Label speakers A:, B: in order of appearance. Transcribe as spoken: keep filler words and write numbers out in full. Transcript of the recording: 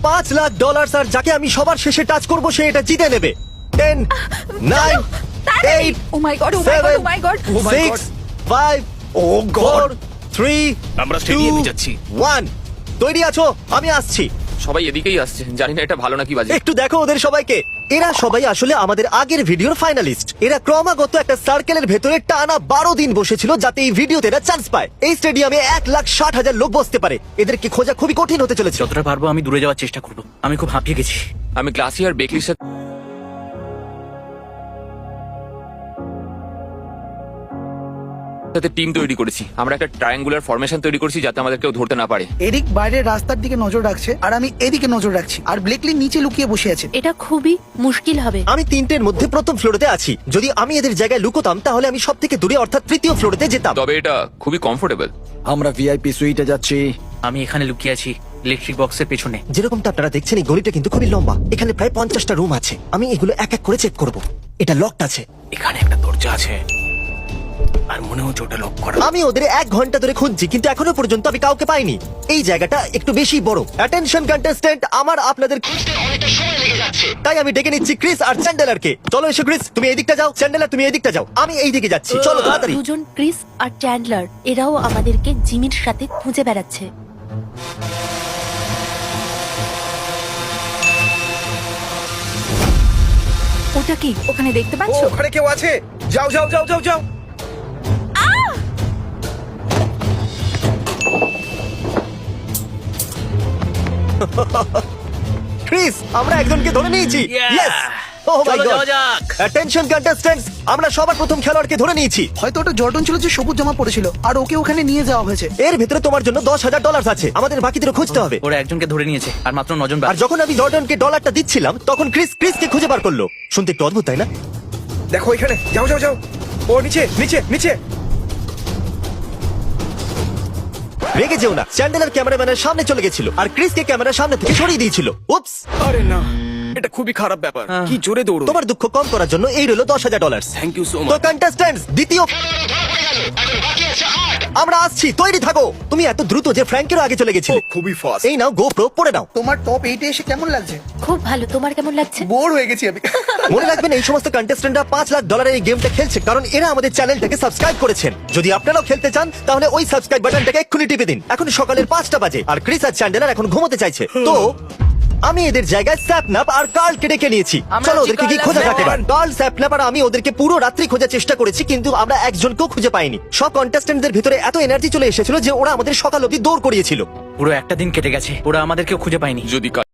A: পাঁচ লাখ ডলার আর যাকে আমি সবার শেষে টাচ করব সে এটা জিতে নেবে। Ten, nine, eight,
B: oh my God oh my God oh my God
C: Oh my
A: six,
C: God.
A: Five,
C: Oh God.
A: Four, three,
C: আমরা স্টেডিয়ামে যাচ্ছি।
A: ওয়ান। তৈরি আছো? আমি আসছি।
D: সবাই এদিকেই আসছে, জানি না এটা ভালো নাকি বাজে।
A: একটু দেখো ওদের সবাইকে। এরা সবাই আসলে আমাদের আগের ভিডিওর ফাইনালিস্ট। এরা ক্রমাগত একটা সার্কেলের ভেতরে টানা বারো দিন বসেছিল যাতে এই ভিডিওতে এরা চান্স পায়। এই স্টেডিয়ামে এক লাখ ষাট হাজার লোক বসতে পারে। এদেরকে খোঁজা খুবই কঠিন হতে চলেছে।
E: যতটা পারবো আমি দূরে যাওয়ার চেষ্টা করবো। আমি খুব হাঁপিয়ে গেছি।
D: আমি গ্লাসি আর বেকলির সাথে টিম তৈরি করেছি। আমরা একটা ট্রায়াঙ্গুলার ফরমেশন তৈরি করেছি যাতে আমাদের কেউ ধরতে না পারে।
F: এরিক বাইরের রাস্তার দিকে নজর রাখছে আর আমি এদিকে নজর রাখছি আর ব্লেকলি নিচে লুকিয়ে বসে আছে।
B: এটা খুবই মুশকিল হবে।
A: আমি তিনটের মধ্যে প্রথম ফ্লোরেতে আছি। যদি আমি এদের জায়গায় লুকোতাম তাহলে আমি সব থেকে দূরে অর্থাৎ তৃতীয় ফ্লোরেতে যেতাম।
D: তবে এটা খুবই কমফোর্টেবল।
C: আমরা ভিআইপি সুইটে যাচ্ছি।
E: আমি এখানে লুকিয়ে আছি ইলেকট্রিক বক্সের পেছনে।
A: যেরকমটা আপনারা দেখছেন এই গলিটা কিন্তু খুবই লম্বা। এখানে প্রায় পঞ্চাশটা রুম আছে। আমি এগুলো এক এক করে চেক করব। এটা লকড আছে।
E: এখানে একটা দরজা আছে আর মনে হচ্ছে ওটা লক করা।
A: আমি ওদের এক ঘন্টা ধরে খুঁজছি কিন্তু এখনো পর্যন্ত আমি কাউকে পাইনি। এই জায়গাটা একটু বেশি বড়। অ্যাটেনশন কন্টেস্ট্যান্ট, আমার আপনাদের খুঁজতে অনেকটা সময় লেগে যাচ্ছে। তাই আমি ডেকে নিচ্ছি ক্রিস আর চ্যান্ডেলারকে। চলো এসো ক্রিস, তুমি এই দিকটা যাও, চ্যান্ডেলার তুমি এই দিকটা যাও, আমি এই দিকে যাচ্ছি। চলো তাড়াতাড়ি।
B: দুজন ক্রিস আর চ্যান্ডলার এরাও আমাদেরকে জিমির সাথে খুঁজে বেড়াচ্ছে। ওটা কি ওখানে দেখতে
C: ও
B: পাচ্ছো?
C: ওখানে কেউ আছে। যাও যাও যাও যাও যাও।
A: ক্রিস, আমরা একজনকে ধরে নিয়েছি।
E: Yeah!
A: Yes! Oh my
E: চলো
A: God!
E: যাওয়া যাক।
A: Attention contestants, আমরা সবার প্রথম খেলোয়াড়কে ধরে নিয়েছি।
F: হয়তো ওটা জর্ডন ছিল যে সবুজ জামা পড়েছিল আর ওকে ওখানে নিয়ে যাওয়া হয়েছে।
A: এর ভিতরে তোমার জন্য দশ হাজার ডলার আছে। আমাদের বাকিদেরও খুঁজতে হবে।
E: ওরা একজনকে ধরে নিয়েছে আর মাত্র নজন
A: আর
E: বাকি।
A: যখন আমি জর্ডনকে ডলারটা দিচ্ছিলাম তখন ক্রিস ক্রিসকে খুঁজে বার করলো। শুনতে একটু অদ্ভুত তাই না?
C: দেখো এখানে। যাও যাও যাও। ও নিচে নিচে নিচে।
A: রেগে যেও না, চ্যান্ডেলার ক্যামেরাম্যানের সামনে চলে গেছিল আর ক্রিসকে ক্যামেরার সামনে থেকে সরিয়ে দিয়েছিল। উপস!
C: আরে না, এটা খুবই খারাপ ব্যাপার। কি জোরে দৌড়ো।
A: তোমার দুঃখ কম করার জন্য এই রইল দশ হাজার ডলার।
C: থ্যাংক ইউ সো
A: তো
C: মাচ।
A: কন্টেস্ট্যান্টস, দ্বিতীয় আমরা আসছি, তৈরি থাকো। তুমি এত দ্রুত যে ফ্র্যাঙ্কেরও আগে চলে গেছিলে।
C: খুবই ফাস্ট।
A: এই নাও গোপ্রো, পড়ে নাও।
F: তোমার টপ এইটে এসে কেমন লাগছে?
B: খুব ভালো। তোমার কেমন লাগছে?
F: বোর হয়ে গেছি আমি।
A: মনে রাখবেন এই সমস্ত কন্টেস্ট্যান্টরা পাঁচ লাখ ডলারের এই গেমটা খেলছে কারণ এরা আমাদের চ্যানেলটাকে সাবস্ক্রাইব করেছেন। যদি আপনারাও খেলতে চান তাহলে ওই সাবস্ক্রাইব বাটনটাকে এক্ষুনি টিপে দিন। এখন সকালের পাঁচটা বাজে আর ক্রিস আর চ্যান্ডেলার এখন ঘুমোতে চাইছে। তো আমি এদের জায়গায় স্যাপনাপ আর কার্লকে ডেকে নিয়েছি।
E: আমরা
A: চলো
E: আছি
A: ওদেরকে কি
E: কার্ল
A: খোঁজা
E: আর
A: যাক এবার। কার্ল, স্যাপনাপ আর আমি ওদেরকে পুরো রাত্রি খোঁজার চেষ্টা করেছি কিন্তু আমরা একজনকেও খুঁজে পাইনি। সব কন্টেস্ট্যান্টদের ভিতরে এত এনার্জি চলে এসেছিল যে ওরা আমাদের সকাল অবধি দৌড় করিয়েছিল।
E: পুরো একটা দিন কেটে গেছে, ওরা আমাদেরকেও খুঁজে পায়নি।
D: যদি